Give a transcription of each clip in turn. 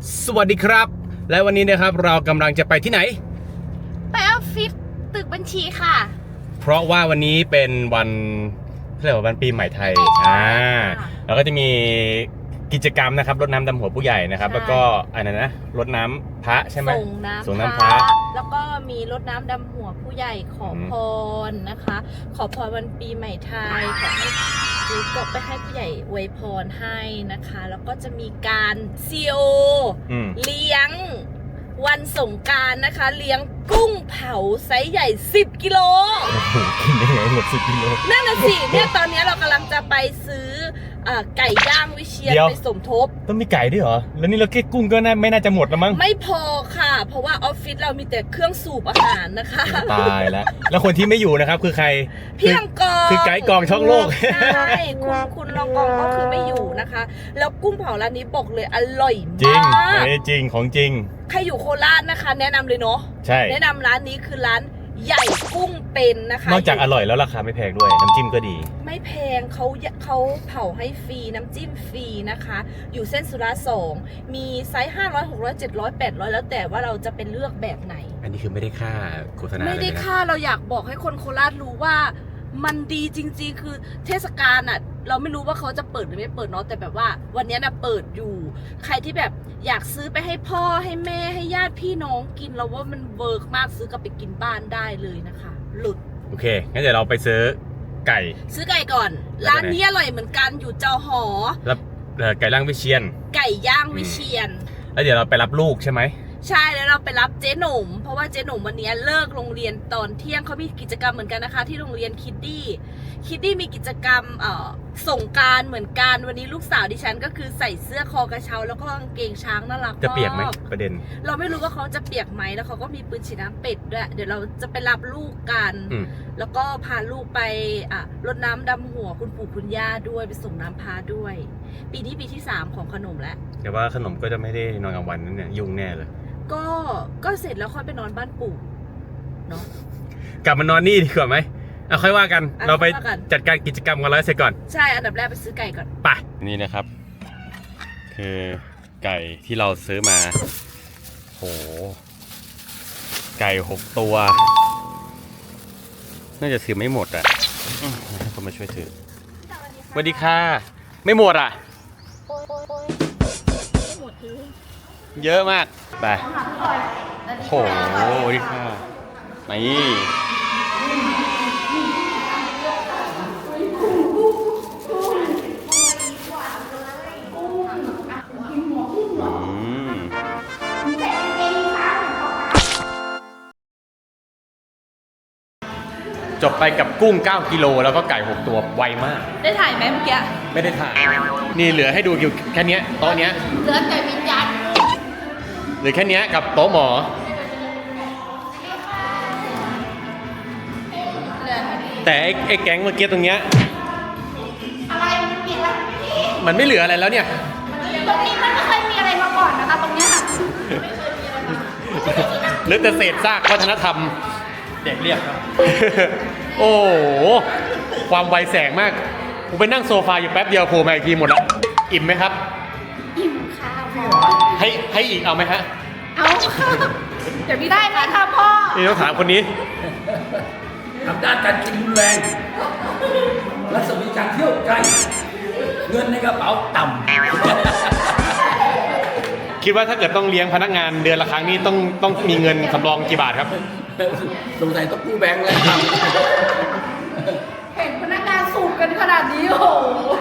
สวัสดีครับและวันนี้นะครับเรากำลังจะไปที่ไหนไปออฟฟิศตึกบัญชีค่ะเพราะว่าวันนี้เป็นวันเรียกว่าวันปีใหม่ไทยแล้วก็จะมีกิจกรรมนะครับรดน้ำดำหัวผู้ใหญ่นะครับแล้วก็อะไรนะรดน้ำพระใช่ไหมส่งน้ำพระแล้วก็มีรดน้ำดำหัวผู้ใหญ่ขอพรนะคะขอพรวันปีใหม่ไทยขอให้ซื้อกบไปให้ผู้ใหญ่อวยพรให้นะคะแล้วก็จะมีการCOเลี้ยงวันสงกรานต์นะคะเลี้ยงกุ้งเผาไซส์ใหญ่10 กิโลกินได้ไงหมด10 กิโลนั่นน่ะสิเนี่ยตอนนี้เรากำลังจะไปซื้อไก่ย่างวิเชียรไปสมทบต้องมีไก่ด้วยเหรอแล้วนี่เราแค่กุ้งก็ไม่น่าจะหมดแล้วมั้งไม่พอค่ะเพราะว่าออฟฟิศเรามีแต่เครื่องสูบอาหารนะคะตายแล้วคนที่ไม่อยู่นะครับคือใครพี่ลองกองคือไก่กองช่องโลกใช่คุณลองกองก็คือไม่อยู่นะคะแล้วกุ้งเผาร้านนี้บอกเลยอร่อยมากจริงของจริงใครอยู่โคราชนะคะแนะนำเลยเนาะใช่แนะนำร้านนี้คือร้านใหญ่กุ้งเป็นนะคะนอกจากอร่อยแล้วราคาไม่แพงด้วยน้ำจิ้มก็ดีไม่แพงเขาเผาให้ฟรีน้ำจิ้มฟรีนะคะอยู่เส้นสุราษฎร์2มีไซส์500 600 700 800แล้วแต่ว่าเราจะเป็นเลือกแบบไหนอันนี้คือไม่ได้ค่าโฆษณาไม่ได้ค่าเราอยากบอกให้คนโคราชรู้ว่ามันดีจริงๆคือเทศกาลอ่ะเราไม่รู้ว่าเขาจะเปิดหรือไม่เปิดเนาะแต่แบบว่าวันนี้นะเปิดอยู่ใครที่แบบอยากซื้อไปให้พ่อให้แม่ให้ญาติพี่น้องกินเราว่ามันเวิร์กมากซื้อกลับไปกินบ้านได้เลยนะคะหลุดโอเคงั้นเดี๋ยวเราไปซื้อไก่ก่อนร้านนี้อร่อยเหมือนกันอยู่เจ้าหอแล้วไก่ย่างวิเชียรไก่ย่างวิเชียรแล้วเดี๋ยวเราไปรับลูกใช่ไหมใช่แล้วเราไปรับเจ๊หนุ่มเพราะว่าเจ๊หนุ่มวันนี้เลิกโรงเรียนตอนเที่ยงเขามีกิจกรรมเหมือนกันนะคะที่โรงเรียนคิดดี้มีกิจกรรมสงกรานต์เหมือนกันวันนี้ลูกสาวดิฉันก็คือใส่เสื้อคอกระเช้าแล้วก็กางเกงช้างน่ารักจะเปียกไหมประเด็นเราไม่รู้ว่าเขาจะเปียกไหมแล้วเขาก็มีปืนฉีดน้ำเป็ดด้วยเดี๋ยวเราจะไปรับลูกกันแล้วก็พาลูกไปรดน้ำดำหัวคุณปู่คุณย่าด้วยไปส่งน้ำพาด้วยปีนี้ปีที่3ของขนมแล้วแต่ว่าขนมก็จะไม่ได้นอนกลางวันนั่นเนี่ยยุ่งแน่เลยก็เสร็จแล้วค่อยไปนอนบ้านปู่เนาะกลับมานอนนี่ดีกว่าไหมค่อยว่ากันเราไปจัดการกิจกรรมกันแล้วเสร็จก่อนใช่อันดับแรกไปซื้อไก่ก่อนไปนี่นะครับคือไก่ที่เราซื้อมาโหไก่6 ตัวน่าจะถือไม่หมดอ่ะให้คนมาช่วยถือสวัสดีค่ะไม่หมดอ่ะไม่หมดถือเยอะมากไปโหดีค่ะนี่จบไปกับกุ้ง9 กิโลแล้วก็ไก่6 ตัวไวมากได้ถ่ายไหมเมื่อกี้ไม่ได้ถ่ายนี่เหลือให้ดูอยู่แค่นี้โต๊ะเนี้ยเหลือแต่วิญญาณเหลือแค่นี้กับโต๊ะหมอแต่ไอ้แก๊งเมื่อกี้ตรงเนี้ยอะไรมันผิดแล้วมันไม่เหลืออะไรแล้วเนี่ยตรงนี้มันไม่เคยมีอะไรมาก่อนนะคะตรงเนี้ยหรือแต่เศษซากวัฒนธรรมเด็กเรียกครับโอ้โหความไวแสงมากผมไปนั่งโซฟาอยู่แป๊บเดียวโผล่มาอีกทีหมดแล้วอิ่มไหมครับอิ่มค่ะพ่อให้อีกเอาไหมฮะเอาค่ะเดี๋ยวพี่ได้ไหมคะพ่อนี่ต้องถามคนนี้ทำด้านการกินรุนแรงรัศมีการเที่ยวไกลเงินในกระเป๋าต่ำคิดว่าถ้าเกิดต้องเลี้ยงพนักงานเดือนละครั้งนี้ต้องมีเงินสำรองกี่บาทครับสงสัยต้องกู้แบงค์แล้วครับเห็นพนักงานสูบกันขนาดนี้โอ้โห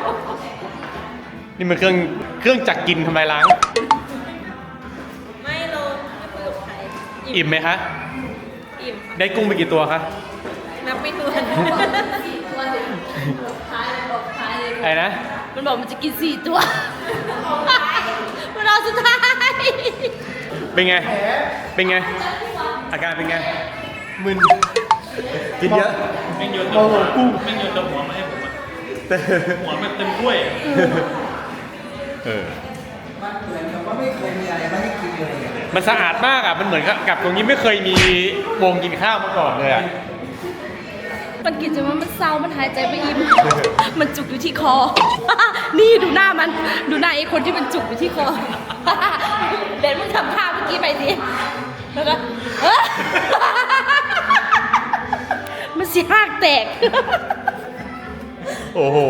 นี่มันเครื่องจักรกินทำลายล้างไม่ลงไม่คุยกับใครอิ่มไหมคะอิ่มได้กุ้งไปกี่ตัวคะนับไม่ถ้วนตัวเดียวท้ายเลยอะไรนะมันบอกมันจะกิน4 ตัวมันรอสุดท้ายเป็นไงอาการเป็นไงมึนกินเยอะแม่งโยนตัวกุ้งแม่งโยนตัวหัวมาให้ผมหัวมันเต็มถ้วยมันเหมือนกับว่าไม่เคยมีอะไรมาให้กินเลยมันสะอาดมากอ่ะมันเหมือนกับตรงนี้ไม่เคยมีวงกินข้าวมาก่อนเลยอ่ะมันกินจนมันเศร้ามันหายใจไม่อิ่มมันจุกอยู่ที่คอนี่ดูหน้าไอ้คนที่มันจุกอยู่ที่คอทำท่าเมื่อกี้ไปสิแล้วก็มันสิหักแตกโอ้โห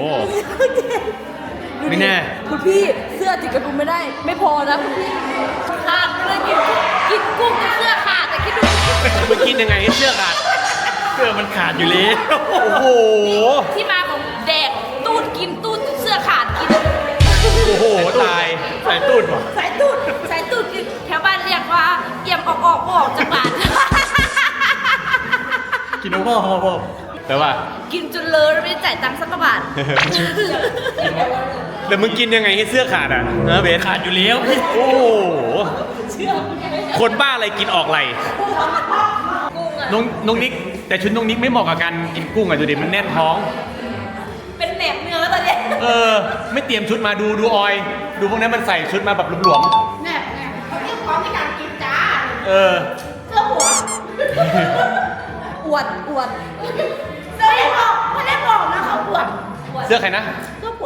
ไม่แน่คุณพี่เสื้อติดกระดุมไม่ได้ ไม่พอนะคุณพี่ขาดเลยกินกุ้งจนเสื้อขาดแต่คิดดูมันกินยังไงให้เสื้อขาดเสื้อมันขาดอยู่แล้วโอ้โหที่มาของแดกตูดกินตูดเสื้อขาดกินโอ้โห ตายใส่ตูดว่ะสายตูดกินแถวบ้านเรียกว่าเอี่ยมออกจากบ้านกินโอ้โหแต่ว่ากินจนเลอะแล้วไม่ได้จ่ายตังค์สักกระบาทแต่มึงกินยังไงให้เสื้อขาดอ่ะนะเบสขาดอยู่แล้วพี่โอ้โห คนบ้าอะไรกินออกไหลน้องนิก แต่ชุดน้องนิกไม่เหมาะกับการกินกุ้งอ่ะดูดิมันแน่นท้องเป็นแหนมเนื้อแล้วตอนเนี้ยเออ ไม่เตรียมชุดมาดูออย ดูพวกนั้นมันใส่ชุดมาแบบหลวมแหนมเขาเรียกพร้อมในการกินจ้าๆเออเสื้อหัวอวดเสื้อไม่ได้บอกนะเขาอวดเสื้อใครนะเสื้อหัว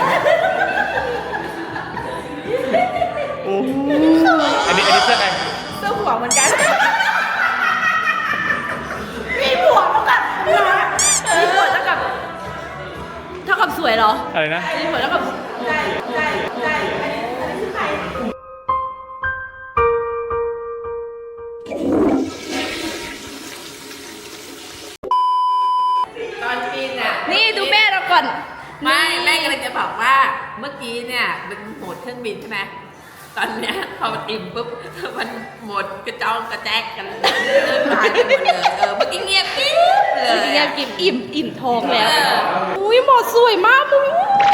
โอ้อันนี้เสื้อใครเสื้อหัวเหมือนกันมีหัวเท่ากับมีหัวเท่ากับสวยเหรออะไรนะมีหัวเท่ากับตอนกินอ่ะนี่ดูแม่เราก่อนไม่แม่กำลังจะบอกว่าเมื่อกี้เนี่ยเป็นโหมดเครื่องบินใช่ไหมตอนเนี้ยพอมันอิ่มปุ๊บมันโหมดกระจองกระแจกกันหายไปหมดเลยเมื่อกี้เงียบกิ๊บเลยอยากกินอิ่มท้องแล้ว อุ้ยหมอสวยมากมึง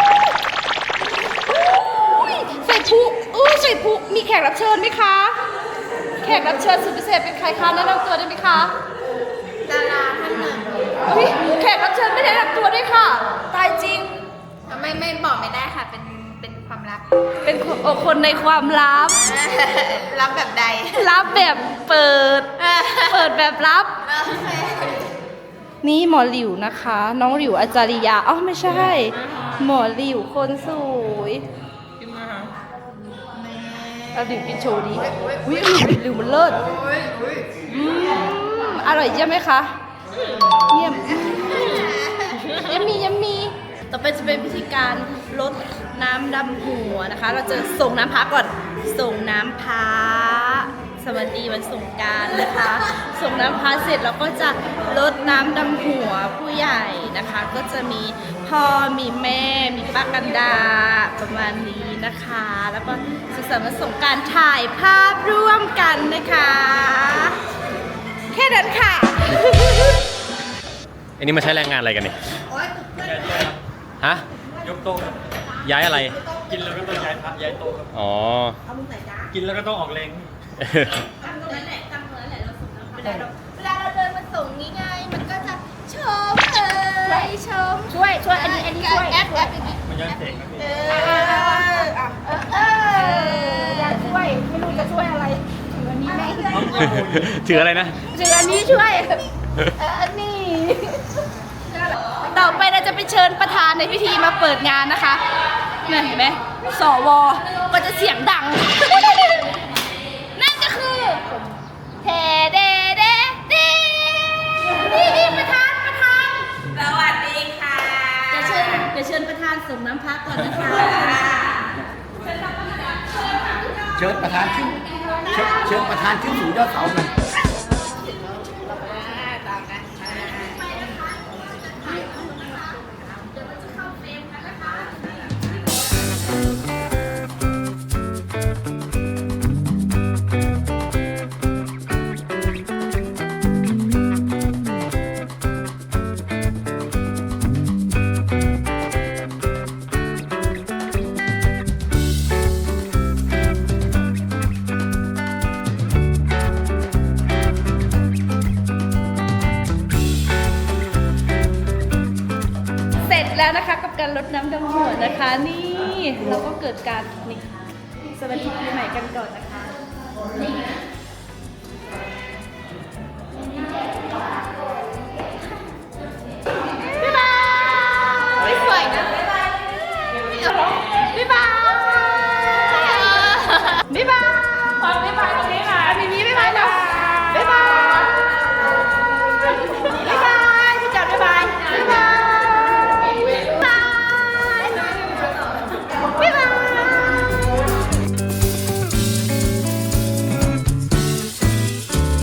ใส่ผู้มีแขกรับเชิญไหมคะ แขกรับเชิญสุดพิเศษเป็นใครคะแนะนำตัวได้ไหมคะดาราท่านหนึ่งอุ๊ยแขกรับเชิญไม่ได้แนะนำตัวด้วยค่ะ ตายจริงไม่บอกไม่ได้ค่ะ เป็นความลับเป็นคนในความลับลับแบบใดลับแบบเปิดแบบลับ นี่หมอหลิวนะคะ น้องหลิวอาจาริยาอ๋อไม่ใช่ หมอหลิวคนสวยเอาหลิวกินโชว์ดีอุ้ยหลิวมันเลิศอร่อยใช่ไหมคะเยี่ยมยัมมีต่อไปจะเป็นพิธีการลดน้ำดำหัวนะคะ เราจะส่งน้ำพระก่อนส่งน้ำพระสวัสดีวันสงกรานต์นะคะ ส่งน้ำพระเสร็จเราก็จะลดน้ำดำหัวผู้ใหญ่นะคะ ก็จะมีพ่อมีแม่มีป้ากันดาประมาณนี้นะคะ แล้วก็สุขสันต์วันสงกรานต์ถ่ายภาพร่วมกันนะคะ แค่นั้นค่ะอันนี้มาใช้แรงงานอะไรกันเนี่ยฮะยกโต๊ะย้ายอะไรกินแล้วก็ต้องย้ายพระย้ายโต๊ะครับอ๋อกินแล้วก็ต้องออกแรงเวลาเราเดินมาส่งนี่ไง มันก็จะชมเลยชมช่วยอันนี้ช่วยแอปอย่างนี้มันย้อนเสกนะพี่อยากช่วย ไม่รู้จะช่วยอะไรถืออันนี้ไหมถืออะไรนะถืออันนี้ช่วยอันนี้ต่อไปเราจะไปเชิญประธานในพิธีมาเปิดงานนะคะเนี่ยเห็นไหมสวก็จะเสียงดัง นั่นก็คือเทเดเดเดนี่ประธานสวัสดีค่ะเดี๋ยวเชิญประธานส่งน้ำพักก่อนนะคะเชิญประธานขึ้นเชิญประธานขึ้นสู่ยอดเสาหน่อยเสร็จแล้วนะคะกับการรดน้ำดำหัวนะคะ นี่เราก็เกิดการนี่สวัสดีปีใหม่กันก่อนนะคะนี่